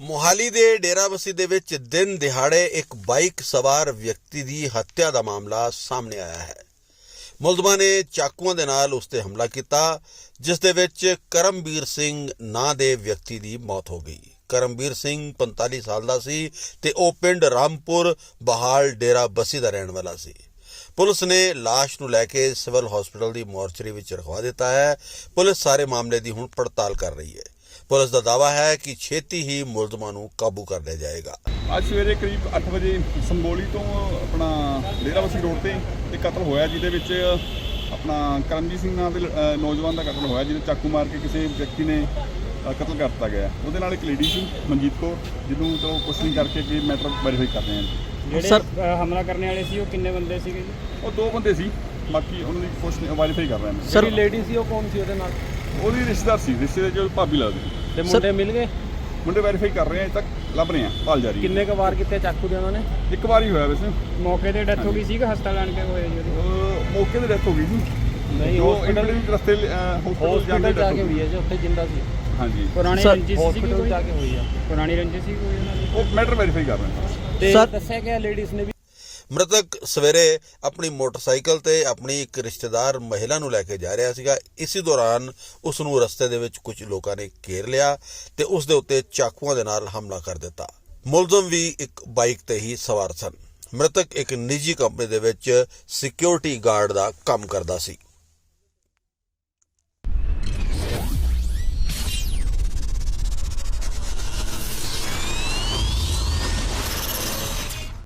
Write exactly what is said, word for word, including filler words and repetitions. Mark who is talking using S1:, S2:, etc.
S1: मोहाली दे डेराबस्सी दे विच दिन दिहाड़े एक बाइक सवार व्यक्ति की हत्या का मामला सामने आया है। मुलजमां ने चाकुआं दे नाल उस ते हमला किया, जिस दे विच करमबीर सिंह नां दे व्यक्ति की मौत हो गई। करमबीर सिंह पैंताली साल का सी ते ओ पिंड रामपुर बहाल डेराबस्सी का रहने वाला सी। पुलिस ने लाश नूं लैके सिविल हॉस्पिटल की मोर्चरी विच रखवा दिता है। पुलिस सारे मामले की हुण पड़ताल कर रही है। पुलिस का दावा है कि छेती ही मुलजमां नूं काबू कर लिया जाएगा।
S2: ਅੱਜ ਸਵੇਰੇ ਕਰੀਬ ਅੱਠ ਵਜੇ ਸੰਬੋਲੀ ਤੋਂ ਆਪਣਾ ਡੇਰਾਬੱਸੀ ਰੋਡ ਤੇ ਇੱਕ ਕਤਲ ਹੋਇਆ, ਜਿਹਦੇ ਵਿੱਚ ਆਪਣਾ ਕਰਮਜੀਤ ਸਿੰਘ ਨਾਂ ਦੇ ਅ, ਨੌਜਵਾਨ ਦਾ ਕਤਲ ਹੋਇਆ, ਜਿਹਨੂੰ ਚਾਕੂ ਮਾਰ ਕੇ ਕਿਸੇ ਵਿਅਕਤੀ ਨੇ ਅ, ਕਤਲ ਕਰ ਦਿੱਤਾ ਗਿਆ। ਉਹਦੇ ਨਾਲ ਇੱਕ ਲੇਡੀ ਸੀ ਮਨਜੀਤ ਕੌਰ, ਜਿਹਨੂੰ ਚਲੋ ਕੁਛ ਨਹੀਂ ਕਰਕੇ ਵੀ ਮੈਟਰ ਵੈਰੀਫਾਈ ਕਰ ਰਹੇ ਹਾਂ।
S3: ਜਿਹੜੇ
S4: ਸਰ
S3: ਹਮਲਾ ਕਰਨ ਵਾਲੇ ਸੀ ਉਹ ਕਿੰਨੇ ਬੰਦੇ ਸੀਗੇ ਜੀ?
S2: ਉਹ ਦੋ ਬੰਦੇ ਸੀ, ਬਾਕੀ ਉਹਨਾਂ ਦੀ ਕੁਛ ਵੈਰੀਫਾਈ ਕਰ ਰਹੇ ਹਾਂ।
S4: ਸਰ
S3: ਜਿਹੜੀ ਲੇਡੀ ਸੀ ਉਹ ਕੌਣ ਸੀ ਉਹਦੇ ਨਾਲ?
S2: ਉਹਦੀ ਰਿਸ਼ਤੇਦਾਰ ਸੀ, ਰਿਸ਼ਤੇ ਦੇ ਜੋ ਭਾਬੀ ਲੱਗਦੀ।
S3: ਤੇ ਮੁੰਡੇ ਮਿਲ ਗਏ?
S2: ਮੁੰਡੇ ਵੈਰੀਫਾਈ ਕਰ ਰਹੇ ਹਾਂ, ਅਜੇ ਤੱਕ ਲੱਭ ਰਹੇ ਹਾਂ, ਭਾਲ ਜਾਰੀ ਹੈ।
S3: ਕਿੰਨੇ ਕੁ ਵਾਰ ਕੀਤੇ ਚਾਕੂ ਦੇ ਉਹਨਾਂ ਨੇ?
S2: ਇੱਕ ਵਾਰ ਹੀ ਹੋਇਆ ਵੈਸੇ।
S3: ਮੌਕੇ ਤੇ ਡੈਥ ਹੋ ਗਈ ਸੀ ਕਿ ਹਸਪਤਾਲ ਆਣ ਕੇ ਹੋਇਆ ਜੀ ਉਹਦੀ?
S2: ਉਹ ਮੌਕੇ ਤੇ ਡੈਥ ਹੋ ਗਈ ਸੀ।
S3: ਨਹੀਂ,
S2: ਜੋ
S3: hospital-
S2: ਇੰਟਰਵਿਊ ਰਸਤੇ ਹਸਪਤਾਲ
S4: ਹਸਪੀਟਲ
S2: ਜਾਂਦੇ
S4: ਜਾ ਕੇ ਹੋਈ ਹੈ ਜੀ, ਉੱਥੇ ਜਿੰਦਾ ਸੀ।
S2: ਹਾਂਜੀ,
S3: ਪੁਰਾਣੀ
S4: ਸਰ,
S3: ਰੰਜਿਸ਼ ਸੀ
S4: ਹਸਪੀਟਲ
S3: ਕੋਈ?
S4: ਜਾ ਕੇ ਹੋਈ ਆ।
S3: ਪੁਰਾਣੀ ਰੰਜਿਸ਼ ਸੀ ਕੋਈ ਉਹਨਾਂ ਦੀ?
S2: ਉਹ ਮੈਟਰ ਵੈਰੀਫਾਈ ਕਰ ਰਹੇ ਹਾਂ।
S3: ਤੇ
S4: ਸਰ-
S3: ਦੱਸਿਆ ਗਿਆ ਲੇਡੀਜ਼ ਨੇ ਵੀ
S1: मृतक सवेरे अपनी मोटरसाइकिल ते अपनी एक रिश्तेदार महिला नूं लैके जा रहा सीगा। इसी दौरान उस नूं रस्ते दे विच कुछ लोगों ने घेर लिया ते उस दे उत्ते चाकुआं दे नाल हमला कर दिता। मुलजम भी एक बाइक ते ही सवार सन। मृतक एक निजी कंपनी दे विच सिक्योरिटी गार्ड दा काम करदा सी।